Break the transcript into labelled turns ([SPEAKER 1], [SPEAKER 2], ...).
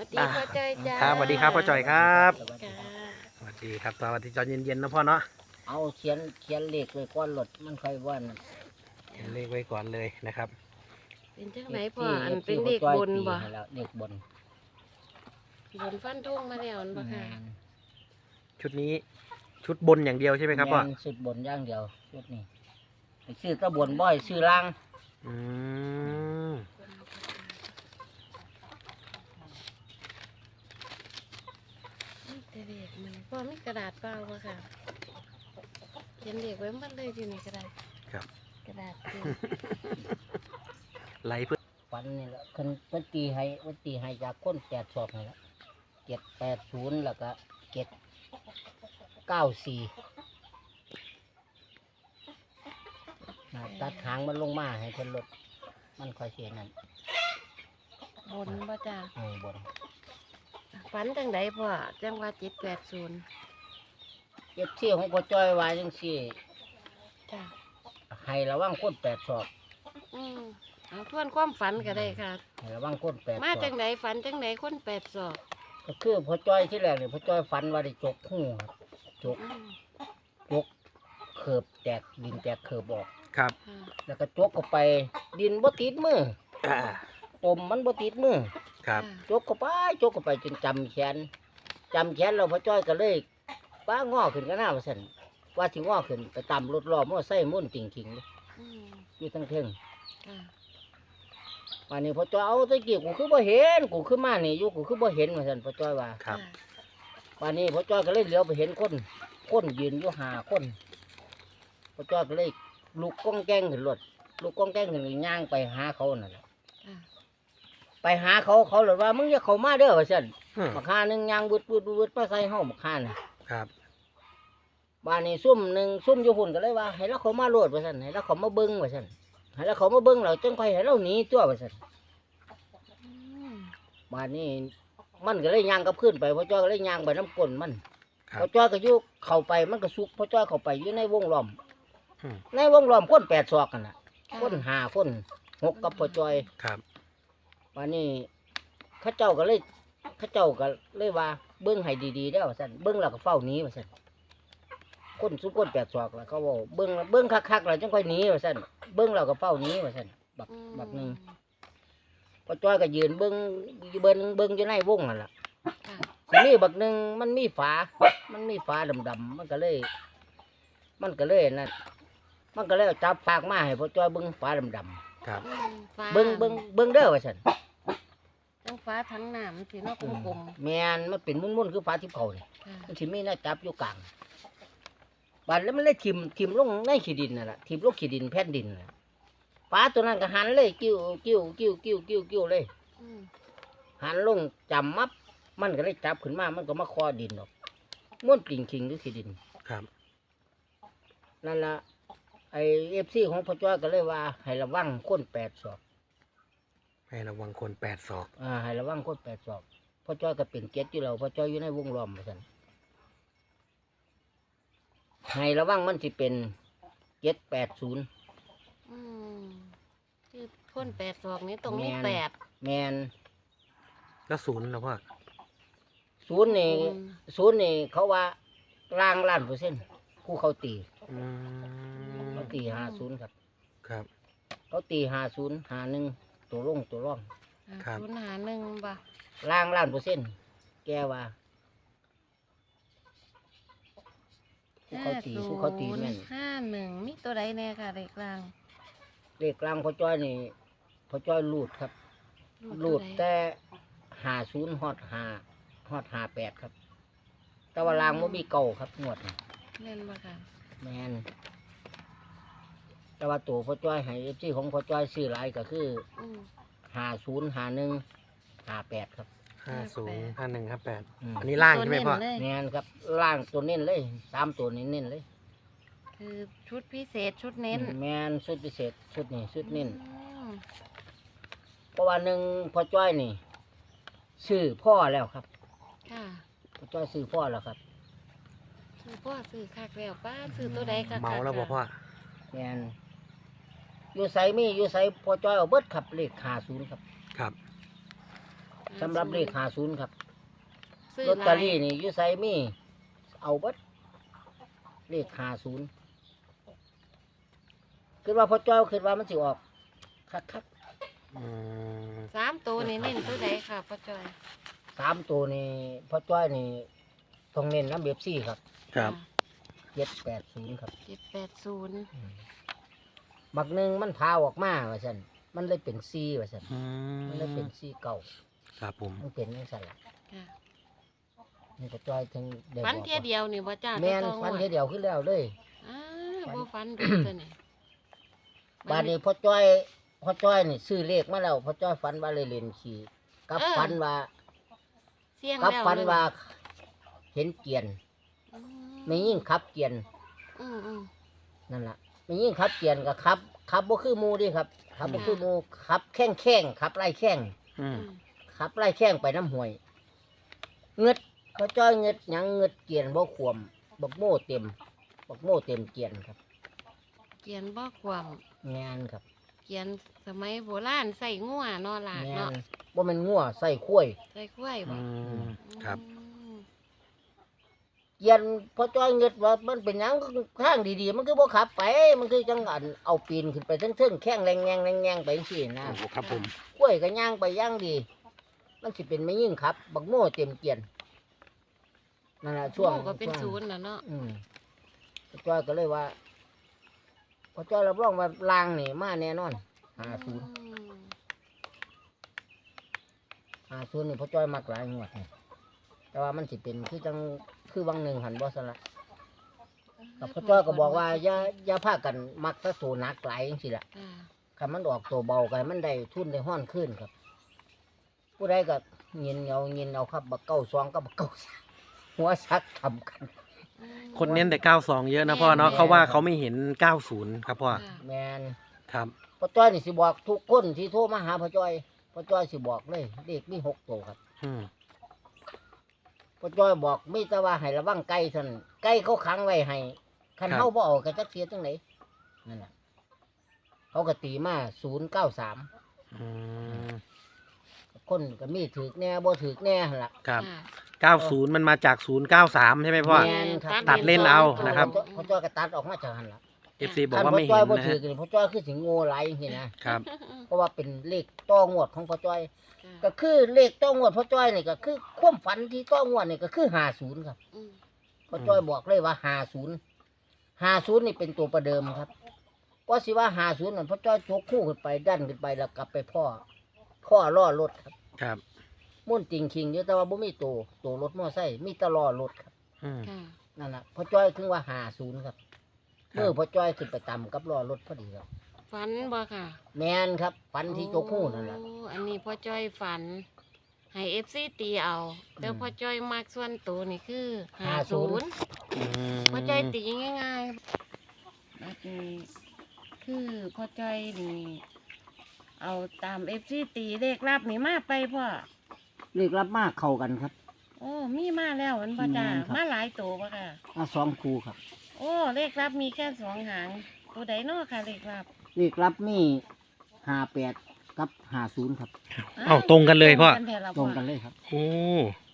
[SPEAKER 1] ดีพ่อจอยจ้า
[SPEAKER 2] ครับสวัสดีครับพ่อจอยครับ
[SPEAKER 1] จ้า
[SPEAKER 2] สวัสดีครับสวัสดีตอนเย็นๆนะพ่อเนาะ
[SPEAKER 3] เอาเขียนเลขไว้ก้อนรถมันค่อยว่าน
[SPEAKER 2] เขียนเลขไว้ก่อนเลยนะครับ
[SPEAKER 1] เป็นจังไหนพ่ออันเป็นเด็กบนบ่
[SPEAKER 3] แล้วเด็กบน
[SPEAKER 1] บนฟันทุ่งมาแล้วนั่นบ่ค่ะ
[SPEAKER 2] ชุดนี้ชุดบนอย่างเดียวใช่ไหมครับพ่อ
[SPEAKER 3] แม่นสุดบนอย่างเดียวชุดนี้ไปซื้อตะบนบ่อยซื้อล่าง
[SPEAKER 2] อืม
[SPEAKER 1] นี่แต่เด็กมันพ่อมีกระดาษเปล่าบ่ค่ะเขียนเด็กไว้หมันเลยอยู่ในกระดาษ
[SPEAKER 2] ครับ
[SPEAKER 1] กระดาษเต็ม
[SPEAKER 2] ไหลเพื่อ
[SPEAKER 3] ฟันนี่แหละคันวันตีให้จากก้น8 ศอกนี่แหละ780แล้วก็794ตัดหางมันลงมาให้เพิ่นลดมันค่อยเสียนั่น
[SPEAKER 1] บนบ่จ้า
[SPEAKER 3] บน
[SPEAKER 1] ฝันจังไดพ่อจังว่า780
[SPEAKER 3] เจ็บเที่ยวของพ่อจ้อยว่าจังซี่
[SPEAKER 1] จ้า
[SPEAKER 3] ให้ระวังก้น8 ศอก
[SPEAKER 1] เอาทวนความฝันก็ได้ค่ะ
[SPEAKER 3] ให้ระวังก้น8 ศอก
[SPEAKER 1] มาจังไดฝันจังไดคน8ศอก
[SPEAKER 3] ก็คือพ่อจ้อยที่แรกเนี่ยพ่อจ้อยฝันว่าได้จกหูครับจก
[SPEAKER 1] อืม
[SPEAKER 3] เขือบแตกดินแตกเขือบออก
[SPEAKER 2] ครับ
[SPEAKER 1] ค่ะ
[SPEAKER 3] แล้วก็จกเข้าไปดินบ่ติดมือ
[SPEAKER 2] อ่า
[SPEAKER 3] ตมมันบ่ติดมือ
[SPEAKER 2] ครับ
[SPEAKER 3] จกเข้าไปจนจำแขนเราพ่อจ้อยก็เลยป้างอขึ้นก็น่าว่าซั่นว่าสิงอขึ้นไปตามรถล้อมอไซค์มุ่นติ่งๆเลย
[SPEAKER 1] อืม
[SPEAKER 3] อยู่ทั้งเทิง
[SPEAKER 1] ค่ะ
[SPEAKER 3] วันนี้พ่อจ้อยเอาตะกี้กูคือบ่เห็นกูคือมานี่อยู่กูคือบ่เห็นว่าซั่นพ่อจ้อยว่า
[SPEAKER 2] ครับ
[SPEAKER 3] วันนี้พ่อจ้อยก็เลยเหลียวไปเห็นคนยืนอยู่5 คนพ่อจ้อยก็เลยลุกก้องแกงขึ้นรถลุกก้องแกงขึ้นย่างไปหาเขานั่นแหละ
[SPEAKER 1] ค่ะ
[SPEAKER 3] ไปหาเขาเลยว่ามึงอย่าเข้ามาเด้อว่าซั่น
[SPEAKER 2] อืม
[SPEAKER 3] บักห่าหนึงย่างวืดมาใส่เฮาบักห่าน่ะ
[SPEAKER 2] ครับ
[SPEAKER 3] บ้านนี้ซุ่มหนึงซุ่มอยู่พุ่นก็เลยว่าให้เราเข้ามาโลดว่าซั่นให้เราเข้ามาเบิ่งว่าซั่นให้เราเข้ามาเบิ่งแล้วจังค่อยให้เราหนีตัวว่าซั่น
[SPEAKER 1] อืม
[SPEAKER 3] บ้านนี้มันก็เลยย่างกลับขึ้นไปพ่อจ้อยก็เลยย่างไปน้ำก้นมัน
[SPEAKER 2] ครั
[SPEAKER 3] พ่อบ จ้อยก็อยู่เข้าไปมันก็สุกพ่อจ้อยเข้าไปอยู่ในวงล้อม
[SPEAKER 2] อืม
[SPEAKER 3] ในวงล้อมคน8 ศอกกันน่ะคน5 คน6กับพ่อจ้อย
[SPEAKER 2] ครับ
[SPEAKER 3] วันนี้เขาเจ้าก็เลยว่าเบิ้งให้ดีๆได้อว่าซั่นเบิ้งแล้วก็เฝ้าหนีว่าซั่นคนสุกคน8 ศอกแล้วเขาบอกเบิ้งคักๆแล้วจังค่อยหนีว่าซั่นเบิ้งแล้วก็เฝ้าหนีว่าซั่นบักหนึงพอจ้อยก็ยืนเบิ้งอยู่ในวงนั่นล่ะ
[SPEAKER 1] ค่ะ
[SPEAKER 3] นี่บักหนึงมันมีฝาดำๆมันก็เลยนั่นมันก็เลยเอาจับฝากมาให้พอจ้อยเบิ้งฝาดำ
[SPEAKER 2] ครับ
[SPEAKER 1] อืมฟ้า
[SPEAKER 3] ๆเบิ้งเด้อว่าซั่น
[SPEAKER 1] จังฟ้าทั้งน้ำสีนอกกลม
[SPEAKER 3] แม่นมันเป็นมุ่นๆคือฝาทิพย์เขานี่
[SPEAKER 1] ๆค่ะ
[SPEAKER 3] มันสิมีหน้าจับอยู่กลางบาดแล้วมันเลยทิ่มลงในขี้ดินนั่นแหละทิ่มลงขี้ดินแผ่นดินน่ะปลาตัวนั้นก็หันเลยกิ้วเลย
[SPEAKER 1] อืม
[SPEAKER 3] หันลงจำมับมันก็เลยจับขึ้นมามันก็มาคอดินออกม้วนปลิ่งคิงด้วยขี้ดิน
[SPEAKER 2] ครับ
[SPEAKER 3] นั่นละไอFCของพ่อจ้อยก็เลยว่าให้ระวังคน8 ศอก
[SPEAKER 2] ให้ระวังคน8 ศอก
[SPEAKER 3] ให้ระวังคน8 ศอกพ่อจ้อยก็เป็นเก็ดอยู่แล้วพ่อจ้อยอยู่ในวงล้อมเหมือนกันให้ระวังมันสิเป็น780
[SPEAKER 1] อืมคือคน8ศอกนี้ตรงนี้
[SPEAKER 3] แม่น
[SPEAKER 1] 8
[SPEAKER 3] แมน
[SPEAKER 2] แล้วศูนย์นะพ่อ
[SPEAKER 3] ศูนย์นี่เขาว่าล่าง1,000,000%คู่เขาตี
[SPEAKER 2] อืม
[SPEAKER 3] เขาตี50ครับ
[SPEAKER 2] ครับ
[SPEAKER 3] เขาตี50 51ตัวลงตัวร่อง
[SPEAKER 2] ครับ
[SPEAKER 1] 051บ่
[SPEAKER 3] ล่าง1,000,000%แกว่าคู่เขาตีแม่น
[SPEAKER 1] 51มีตัวใดแน่ค่ะเลขกลาง
[SPEAKER 3] เลขกลางพ่อจ้อยนี่พ่อจ้อยรูดครับรูดแต่50ฮอด58ครับ แต่ว่าล่างบ่มีเก่าครับงวดนี้
[SPEAKER 1] แม่นบ่ค่ะ
[SPEAKER 3] แมนแต่ว่าตัวพ่อจ้อยให้ที่ของพ่อจ้อยซื้อหลายก็คือ
[SPEAKER 1] อืม
[SPEAKER 3] 50 51 58ครับ
[SPEAKER 2] 50 51 58
[SPEAKER 3] อืม
[SPEAKER 2] อันนี้ล่างใช่ไหมพ่อ
[SPEAKER 1] ตัวเน้นเลย
[SPEAKER 3] แมนครับล่างตัวเน้นเลย3 ตัวนี้เน้นเลย
[SPEAKER 1] คือชุดพิเศษชุดเน้น
[SPEAKER 3] แมนชุดพิเศษชุดนี้ชุดเน้น
[SPEAKER 1] อืม
[SPEAKER 3] เพราะว่าหนึ่งพ่อจ้อยนี่ซื้อพ่อแล้วครับ
[SPEAKER 1] ค่ะ
[SPEAKER 3] พ่อจ้อยซื้อพ่อแล้วครับ
[SPEAKER 1] ซื้อพ่อซื้อคักแล้วป้าซื้อตัวใดคักๆ
[SPEAKER 2] เมาแล้วบ่พ่อ
[SPEAKER 3] แมนอยู่ไสพ่อจ้อยเอาเบิดขับเลข50ครับ
[SPEAKER 2] ครับ
[SPEAKER 3] สำหรับเลข50ครับ
[SPEAKER 1] ซื้อ
[SPEAKER 3] ลอตเตอรี่
[SPEAKER 1] หลาย
[SPEAKER 3] นี่อยู่ไสมีเอาเบิดเลข50คิดว่าพ่อจ้อยคิดว่ามันสิออกคัก
[SPEAKER 2] อืม
[SPEAKER 1] 3ตัวนี่เน้นตัวใดค่ะพ่อจอย
[SPEAKER 3] ๆ3ตัวนี่พ่อจ้อยนี่ต้องเน้นน้ำเบบซี่ครับ
[SPEAKER 2] ครับ
[SPEAKER 3] 780ครับ
[SPEAKER 1] 780
[SPEAKER 3] บักหนึงมันพาออกมาว่าซั่นมันเลยเป็น4ว่าซั่น
[SPEAKER 2] อื
[SPEAKER 3] มันเลยเป็น4เก่า
[SPEAKER 2] ครับผม
[SPEAKER 3] มันเป็นจังซั่นล่ะ
[SPEAKER 1] ค่ะ
[SPEAKER 3] นี่พ่อจ้อยถึงได้
[SPEAKER 1] ฟัน
[SPEAKER 3] บอก
[SPEAKER 1] เทียเดียวนี่บ่จ้า
[SPEAKER 3] แม่น
[SPEAKER 1] ต่อ
[SPEAKER 3] ฟัน
[SPEAKER 1] งวด
[SPEAKER 3] เทียเดียวขึ้นแล้วเลย
[SPEAKER 1] บ่ฟันดูตัวนี่
[SPEAKER 3] บาดนี้พ่อจ้อยนี่ซื้อเลขมาแล้วพ่อจ้อยฝันว่าเลยเล่นขี่กับฝันว่า
[SPEAKER 1] เสี่ยง
[SPEAKER 3] กับ
[SPEAKER 1] แล้ว
[SPEAKER 3] ฝันว่า
[SPEAKER 1] เลย
[SPEAKER 3] เห็นเกียน
[SPEAKER 1] อื
[SPEAKER 3] ไม่ยิ่งขับเกียน
[SPEAKER 1] อืม
[SPEAKER 3] นั่นล่ะไม่ยิ่งขับเกียนก็ขับบ่คือหมูเดิครับขับบ่คือหมูขับแข้งขับไล่แข้ง
[SPEAKER 2] อืม
[SPEAKER 3] ขับไล่แข้งไปน้ำห้วยเงึดพ่อจ้อยเงึดหยังเงึดเกียนบ่ขวมบักโม่เต็มเกียนครับ
[SPEAKER 1] เกียนบ่ความ
[SPEAKER 3] งานครับ
[SPEAKER 1] เกียนสมัยโบราณใส่งัวเนาะล่ะ
[SPEAKER 3] งา
[SPEAKER 1] เนาะ
[SPEAKER 3] นบ่แม่นงัวใส่ข้วย
[SPEAKER 1] ใส่กล้วยบ่
[SPEAKER 2] อืมครับ
[SPEAKER 1] อืม
[SPEAKER 3] เกียนพอจ้อยเงิดว่ามันเป็นหยังทางดีๆมันคือบ่ขับไปมันคือจังอันเอาปีนขึ้นไปเทิงๆแข้งแรงแงงไปจังซี่นะ
[SPEAKER 2] โอ้โหครับผม
[SPEAKER 3] กล้วยก็ย่างไปย่างดี มันสิเป็นไม่ยิ่งครับ บักโม่เต็มเกียนนั่นล่ะช่วง
[SPEAKER 1] โอ้ก็เป็น
[SPEAKER 3] ช่วง
[SPEAKER 1] ศูนย์น่ะเนาะ
[SPEAKER 3] พอจ้อยก็เลยว่าพอจ้อยรับรองว่าลางนี่มาแน่นอน50
[SPEAKER 1] อืม
[SPEAKER 3] 50นี่พอจ้อยมักหลายงวดนี่แต่ว่ามันสิเป็นคือจังคือวังหนึ่งหันบ่ซั่นล่ะ กับพ่อจ้อยก็บอกว่าอย่าพากันมักแตะโตหนักหลายจังซี่ล่ะ
[SPEAKER 1] ค่ะ
[SPEAKER 3] คันมันออกตัวเบากันมันได้ทุนได้ห้อนขึ้นครับ ผู้ใดก็เงินเอาครับบักเก้าซองกับบักเก้าหัวซักทำกัน
[SPEAKER 1] อืม
[SPEAKER 2] คนเน้นแต่92เยอะนะพ่อเนาะ
[SPEAKER 3] แม่
[SPEAKER 2] เขาว่าเขาไม่เห็น90ครับพ่อ
[SPEAKER 1] ค่ะ
[SPEAKER 3] แมน
[SPEAKER 2] ครับ
[SPEAKER 3] พ่อจ้อยนี่สิบอกทุกคนที่โทรมาหาพ่อจ้อยสิบอกเลยเลขมี6ตัวครับ
[SPEAKER 2] อืม
[SPEAKER 3] พ่อจ้อยบอกมีแต่ว่าให้ระวังไก่เท่านั้นไก่เขาขังไว้ให้คันเฮาบ่เอาก็จักเสียจังไดนั่นน่ะเขาก็ตีมา093
[SPEAKER 2] อืม
[SPEAKER 3] คนก็มีถือแน่บ่ถือแน่หั่นล่ะ
[SPEAKER 2] ครับ
[SPEAKER 1] ค่ะ
[SPEAKER 2] 90มันมาจาก093ใช่ไหมพ่อ
[SPEAKER 3] แม่นครับ
[SPEAKER 2] ตัดเล่นเอานะครับ
[SPEAKER 3] พ่อจ้อยก็ตัดออกมาจากหั่นล่ะ
[SPEAKER 2] FC บอก
[SPEAKER 3] คัน
[SPEAKER 2] ว่า
[SPEAKER 3] พ่อ
[SPEAKER 2] ไม่
[SPEAKER 3] จ้
[SPEAKER 2] เห็
[SPEAKER 3] อย
[SPEAKER 2] น
[SPEAKER 3] บ่
[SPEAKER 2] นะ
[SPEAKER 3] ถือ
[SPEAKER 2] ฮะ
[SPEAKER 3] กันพ่อจ้อยคือสิงโง่หลายจังซี่นะครับ เพราะว่าเป็นเลขต้องวดของพ่อจ้อย ก็คือเลขต้องวดพ่อจ้อยนี่ก็คือความฝันที่ต้องวดนี่ก็คือ50ครับ
[SPEAKER 1] อืม
[SPEAKER 3] พ่อจ้อยบอกเลยว่า50นี่เป็นตัวประเดิมครับก็สิว่า50นั่นพ่อจ้อยยกคู่ขึ้นไปดันขึ้นไปแล้วกลับไปพ่อล้อรถครับ
[SPEAKER 2] ครับ
[SPEAKER 3] มุ่นจริงคิงอยู่แต่ว่าบ่มีตัวรถมอไซค์มีแต่ล้อรถครับ
[SPEAKER 2] อืม
[SPEAKER 1] ค่ะ
[SPEAKER 3] นั่นล่ะพ่อจ้อยถึงว่า50ครับ
[SPEAKER 2] ครับ
[SPEAKER 3] เมื่อพ่อจ้อยขึ้นไปต่ำกับล้อรถพอดีครับ
[SPEAKER 1] ฝันบ่ค่ะ
[SPEAKER 3] แมนครับฝันที่ยกคู่นั่นแหละ
[SPEAKER 1] โอ้อันนี้พ่อจ้อยฝัน ให้ FC ตีเอาแต่พ่อจ้อยมักส่วนตัวนี่คือ50
[SPEAKER 2] อืม
[SPEAKER 1] พ่อจ้อยตีง่ายๆแบบนี้คือพ่อจ้อยนี่เอาตาม FC ตีเลขลับนี่มาไปพ่อ
[SPEAKER 3] เรียกรับมากเข้ากันครับ
[SPEAKER 1] โอ้มีมาแล้วมันพ่อจ้า
[SPEAKER 3] แม่นครับ
[SPEAKER 1] มาหลายตัวป่ะค่ะ
[SPEAKER 3] มา2คู่ครับ
[SPEAKER 1] โอ้เลขลับมีแค่2 หางตัวใดเนาะค่ะเลขลับ
[SPEAKER 3] เรียกรับมี58กับ50ครับ
[SPEAKER 2] เอ้าตรงกันเลยพ่อ
[SPEAKER 1] ตรงกันแท้ละ
[SPEAKER 3] ตรงกันเลยครับ
[SPEAKER 2] โอ้